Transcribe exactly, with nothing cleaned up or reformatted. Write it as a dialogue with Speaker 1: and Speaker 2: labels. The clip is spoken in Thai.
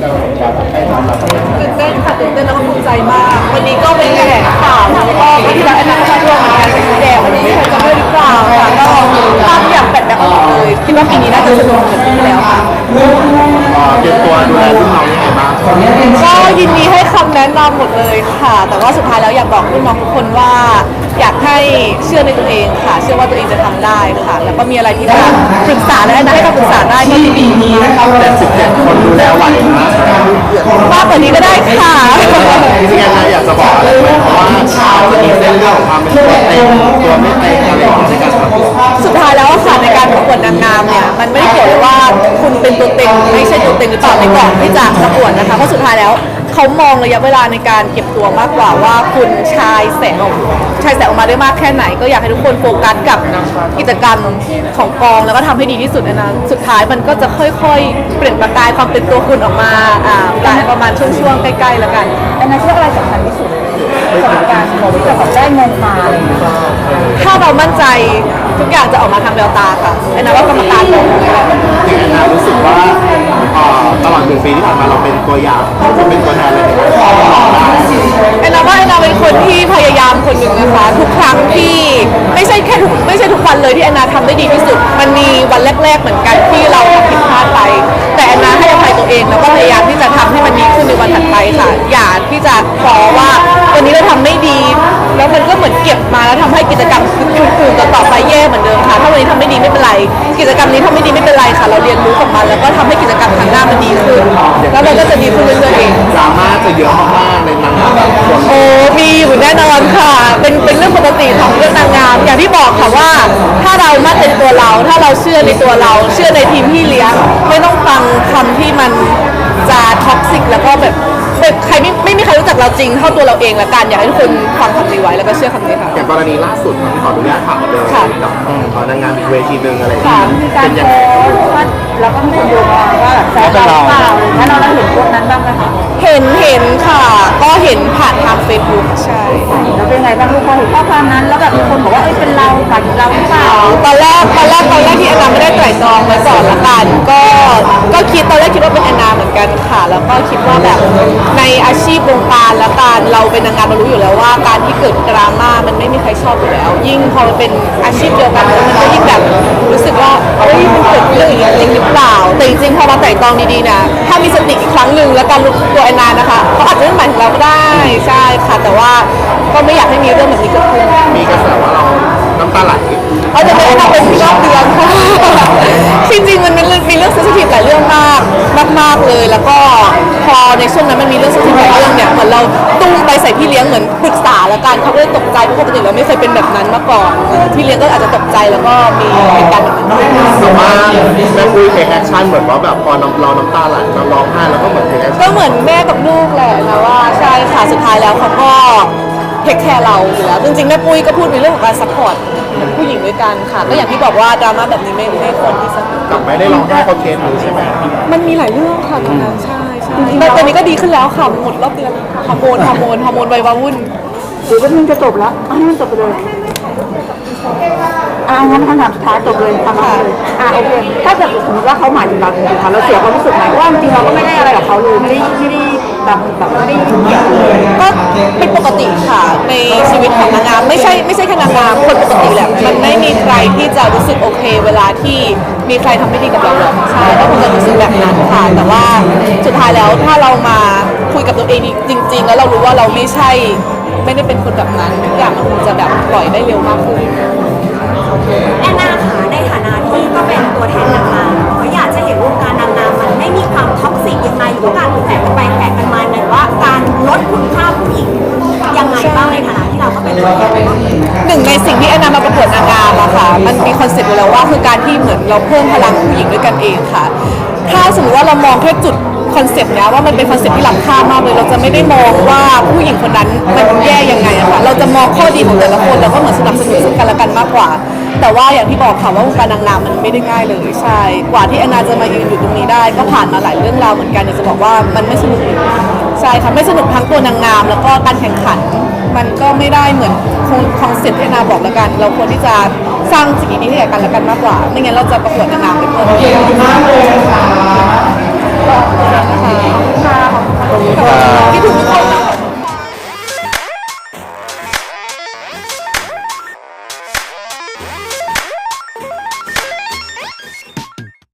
Speaker 1: ตื่นเต้นค่ะตื่นเต้นแล้วก็ภูมิใจมากวันนี้ก็เป็นแถลงข่าวแล้วก็ที่เราแอนนาชาร่วมงานแดงวันนี้ใครจะไม่หรือเปล่าค่ะก็ภาพอยากแปดแบบหมดเลยคิดว่าปีนี้น่าจะสนุกเหมือนปีที่แล้วค่ะ
Speaker 2: เตรียมตัวดูแลรุ่นน้องยังไงบ้าง
Speaker 1: ก็ยินดีให้คำแนะนำหมดเลยค่ะ แต่ว่าสุดท้ายแล้วอยากบอกรุ่นน้องทุกคนว่าอยากให้เชื่อในตัวเองค่ะเชื่อว่าตัวเองจะทำได้ค่ะแล้วก็มีอะไรที่จะปรึกษาและให้คำปรึกษาได้ก็ยินดี
Speaker 2: แต่สิบเจ็ดคนดูแลไหวนะ
Speaker 1: มากกว่านี้ก็ได้ค่ะ
Speaker 2: ที่งั้นนะอยากจะบอกอะไรไหมเพราะว่าชาวจะมีเส้นเรื่องของความเป็นตัวเต็งตัวไม่เต็งอะไรในการประกวด
Speaker 1: สุดท้ายแล้วค่ะในการประกวดนางงามเนี่ยมันไม่ได้เกี่ยวกับว่าคุณเป็นตัวเต็งไม่ใช่ตัวเต็งหรือเปล่าในก่อนที่จะประกวดนะคะเพราะสุดท้ายแล้วเขามองระยะเวลาในการเก็บตัวมากกว่าว่าคุณชายแสงออกชายแสงออกมาได้มากแค่ไหนก็อยากให้ทุกคนโฟกัสกับกิจกรรมของกองแล้วก็ทำให้ดีที่สุดนะสุดท้ายมันก็จะค่อยๆเปลี่ยนประกายความเป็นตัวคุณออกมาอ่าปลายประมาณช่วงๆใกล้ๆแล้วกัน
Speaker 3: อันนั้นคืออะไรสำคัญที่สุดสำหรับการที่จะแบบได้เงินมาอะไรอย่างเงี้ย
Speaker 1: ถ้าเรามั่นใจทุกอย่างจะออกมาทางแววตาค่ะไอ้นะว่ากรรมการบอกเลยค่ะ
Speaker 2: ที่งั้นนะรู้สึกว่าตลอดหนึ่งปีที่ผ่านมาเราเป็นตัวอย่างจะเป็นตัวแทนเลย
Speaker 1: ไอ้นะว่าไอ้นาเป็นคนที่พยายามคนหนึ่งนะคะทุกครั้งที่ไม่ใช่แค่ทุกไม่ใช่ทุกวันเลยที่ไอ้นาทำได้ดีที่สุดมันมีวันแรกๆเหมือนกันที่เราทำผิดพลาดไปแต่ไอ้นาให้อภัยตัวเองแล้วก็พยายามที่จะทำให้มันดีขึ้นในวันถัดไปค่ะอย่าที่จะขอว่าวันนี้เราทำไม่ดีแล้วมันก็เหมือนเก็บมาแล้วทำให้กิจกรรมคืนๆต่อไปแย่เหมือนเดิมค่ะถ้าวันนี้ทำไม่ดีไม่เป็นไรกิจกรรมนี้ทำไม่ดีไม่เป็นไรค่ะเราเรียนรู้กับมันแล้วก็ทำให้กิจกรรมครั้งหน้ามันดีขึ้นแล้วมันก็จะดีขึ้นเรื่อยๆเอง
Speaker 2: ดราม่าจะเยอะมากๆในนางงามคน
Speaker 1: โอ้มีอยู่แน่นอนค่ะเป็นเป็นเรื่องปกติของเรื่องนางงามอย่างที่บอกค่ะว่าถ้าเรามั่นในตัวเราถ้าเราเชื่อในตัวเราเชื่อในทีมที่เลี้ยงไม่ต้องฟังคำที่มันจะท็อกซิกแล้วก็แบบใครไม่ไม่มีใครรู้จักเราจริงเท่าตัวเราเองละกันอยากให้ทุกคนฟังคำนี้ไว้แล้วก็เชื่อคำนี้ค่ะ
Speaker 2: อย่างกรณีล่าสุดขออนุญาตถามเลยกับนางงามอีกเวทีหนึ่งอะไรอย่างเงี้ย
Speaker 3: มีการโพสต์ว่าแล้วก็มีคนโยงมาว่าแซวเราเปล่าแล้วเราได้เห็นพวกนั้นบ้างไหมคะ
Speaker 1: เห็นเห็นค่ะก็เห็นผ่านทางเฟซบุ๊กใช่
Speaker 3: แล้วเป็นไงบ้างลูกพอเห็นข้อความนั้นแล้วแบบมีคนบอกว่าเอ้ยเป็นเราฝันเราหรือเปล่า
Speaker 1: ตอนแรกตอนแรกตอนแรกที่แอนนาไม่ได้ไตร่ตรองไว้ก่อนละกันก็ก็คิดตอนแรกคิดว่าเป็นแอนนาเหมือนกันค่ะแล้วก็คิดว่าแบบในอาชีพวงการและการเราเป็นนางงามเรารู้อยู่แล้วว่าการที่เกิดดราม่ามันไม่มีใครชอบอยู่แล้วยิ่งพอมันเป็นอาชีพเดียวกันมันก็ยิ่งแบบรู้สึกว่าเฮ้ยมันเกิดเรื่องอย่างนี้จริงหรือเปล่าแต่จริงๆพอมาไตร่ตรองดีๆนะถ้ามีสติอีกครั้งหนึ่งแล้วการรู้ตัวแอนนานะคะเขาอาจจะไม่หมายถึงเราก็ได้ใช่ค่ะแต่ว่าก็ไม่อยากให้มีเรื่องแบบนี้เกิดขึ้น
Speaker 2: มีกระแสว่าเราน้ำตาไหล
Speaker 1: เอาจะไม่ได้ทำเป็นรอบเดือนค่ะจริงๆมันมีมีเรื่องเซนซิทีฟหลายเรื่องมากมากๆเลยแล้วก็พอในช่วงนั้นมันมีเรื่องเซนซิทีฟหลายเรื่องเนี่ยเหมือนเราตุ้มไปใส่พี่เลี้ยงเหมือนปรึกษาแล้วกันเขาก็เลยตกใจเพราะปกติเราไม่เคยเป็นแบบนั้นมาก่อนพี่เลี้ยงก็อาจจะตกใจแล้วก็มีเหตุการณ์แบบนั้น
Speaker 2: แต่ว่าแม่ปุ้ยเทคแอคชั่นเหมือนว่าแบบพอเราน้ำตาไหลเราร้องไห้แล้วก็เหมือนเทคแอคชั่น
Speaker 1: ก็เหมือนแม่กับลูกแหละนะว่าใช่ค่ะสุดท้ายแล้วเขาก็เทคแคร์เราอยู่แล้วจริงๆแม่ปุ้ยก็พูดในเรื่องของการซัพพอร์ตผู้หญิงด้วยกันค่ะก็อย่างที่บอกว่าดราม่าแบบนี้ไม่ไม่ควรที่จะ
Speaker 2: กลับไม่ได้ร้องไห้เขาเคสหรือใช่ไหม
Speaker 1: มันมีหลายเรื่องค่ะตอนนั้นใช่ใช่แต่ตอนนี้ก็ดีขึ้นแล้วค่ะหมดรอบเดือนฮอร์โมนฮอร์โมนฮอร์โมนวัยวาวุ่น
Speaker 3: หรือว่ามันจะจบแล้วให้มันจบไปเลยอ่างั้นคำถามสุดท้ายจบเลยทำอะไรเลยอ่าโอเคถ้าเกิดสมมติว่าเขาหมายถึงเราจริงๆค่ะเราเสียความรู้สึกไหมว่าจริงๆเราก็ไม่ได้อะไรกับเขาเลยไม่ได้ไม่ได้แบบแบบไม่ได้ยุ่งเกี่ยวเลย
Speaker 1: ก็เป็นปกติค่ะในชีวิตของนางงามไม่ใช่ไม่ใช่แค่นางงามคนปกติแหละมันไม่มีใครที่จะรู้สึกโอเคเวลาที่มีใครทำไม่ดีกับเราหรอกใช่ก็คงจะรู้สึกแบบนั้นค่ะแต่ว่าสุดท้ายแล้วถ้าเรามาคุยกับตัวเองจริงๆแล้วเรารู้ว่าเราไม่ใช่ไม่ได้เป็นคนแบบนั้นทุกอย่างมันคงจะแบบปล่อยได้เร็วมากขึ้น
Speaker 4: แอนนาค่ะในฐานะที่ก็เป็นตัวแทนนางงามก็อยากจะเห็นวงการนางงามมันไม่มีความท็อกซิกยังไงหรือว่าการแข่งกันไปแข่งกันมาหรือว่าการลดคุณค่าผู้หญิงยังไงบ้างในฐานะที่เราก็เป็นตัวแทน
Speaker 1: หนึ่งในสิ่งที่แอนนามาประกวดนางงามอะค่ะมันมีคอนเซ็ปต์อยู่แล้วว่าคือการที่เหมือนเราเพิ่มพลังผู้หญิงด้วยกันเองค่ะถ้าสมมติว่าเรามองแค่จุดคอนเซ็ปต์นี้ว่ามันเป็นคอนเซ็ปต์ที่ล้ำค่ามากเลยเราจะไม่ได้มองว่าผู้หญิงคนนั้นมันแย่ยังไงอะค่ะเราจะมองข้อดีของแต่ละคนแล้วก็เหมือนสนับสนุนซึ่งกันและกันมากกว่าแต่ว่าอย่างที่บอกค่ะว่าวงการนางงามมันไม่ได้ง่ายเลยใช่กว่าที่แอนนาจะมายืนอยู่ตรงนี้ได้ก็ผ่านมาหลายเรื่องราวเหมือนกันจะบอกว่ามันไม่สนุกใช่ค่ะไม่สนุกทั้งตัวนางงามแล้วก็การแข่งขันมันก็ไม่ได้เหมือนคอนเซ็ปต์ที่แอนนาบอกแล้วกันเราควรที่จะสร้างสิ่งดีๆให้แก่กันและกันมากกว่าไม่งั้นเราจะประกวดนางงามไปเพื่อ
Speaker 3: ค่ะ